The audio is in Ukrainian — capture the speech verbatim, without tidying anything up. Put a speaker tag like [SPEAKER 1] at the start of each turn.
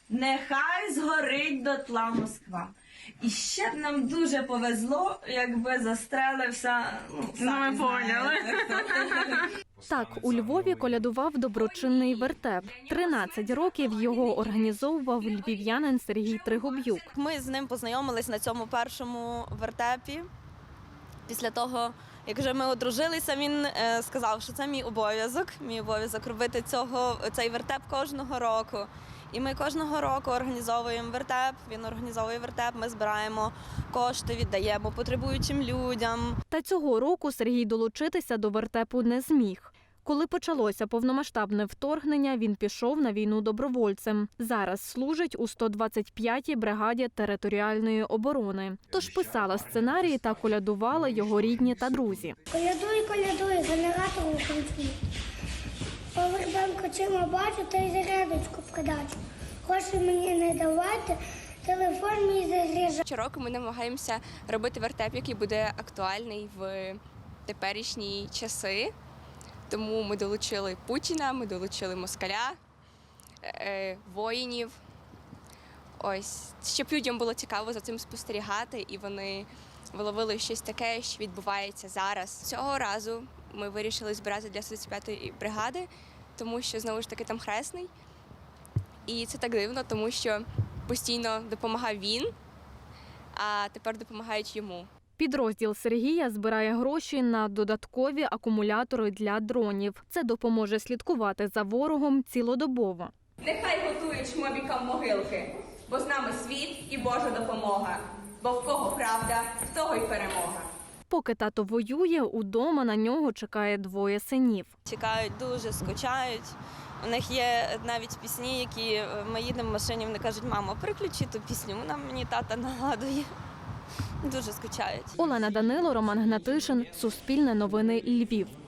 [SPEAKER 1] Нехай згорить дотла Москва. І ще б нам дуже повезло, якби застрелився, ну, самі знаєте.
[SPEAKER 2] Так, у Львові колядував доброчинний вертеп. тринадцять років його організовував львів'янин Сергій Тригуб'юк.
[SPEAKER 3] Ми з ним познайомились на цьому першому вертепі. Після того, як вже ми одружилися, він е, сказав, що це мій обов'язок, мій обов'язок робити цього, цей вертеп кожного року. І ми кожного року організовуємо вертеп, він організовує вертеп, ми збираємо кошти, віддаємо потребуючим людям.
[SPEAKER 2] Та цього року Сергій долучитися до вертепу не зміг. Коли почалося повномасштабне вторгнення, він пішов на війну добровольцем. Зараз служить у сто двадцять п'ятій бригаді територіальної оборони. Тож писала сценарії та колядували його рідні та друзі.
[SPEAKER 4] Колядуй, колядуй, генератор у кінці. Повербанк очима бачу, та й зарядочку продачу. Гроші мені не давайте, телефон мій заряджає.
[SPEAKER 5] Щороку ми намагаємося робити вертеп, який буде актуальний в теперішні часи. Тому ми долучили Путіна, ми долучили москаля, е, воїнів. Ось, щоб людям було цікаво за цим спостерігати, і вони виловили щось таке, що відбувається зараз. Цього разу ми вирішили збирати для сто двадцять п'ятої бригади, тому що, знову ж таки, там хресний. І це так дивно, тому що постійно допомагав він, а тепер допомагають йому.
[SPEAKER 2] Підрозділ Сергія збирає гроші на додаткові акумулятори для дронів. Це допоможе слідкувати за ворогом цілодобово.
[SPEAKER 6] Нехай готують шмобікам могилки, бо з нами світ і Божа допомога. Бо в кого правда, в того й перемога.
[SPEAKER 2] Поки тато воює, удома на нього чекає двоє синів.
[SPEAKER 3] Чекають дуже, скучають. У них є навіть пісні, які ми їдемо в машині, вони кажуть: мамо, переключи ту пісню, вона мені тата нагадує. Дуже скучають.
[SPEAKER 2] Олена Данило, Роман Гнатишин, Суспільне новини, Львів.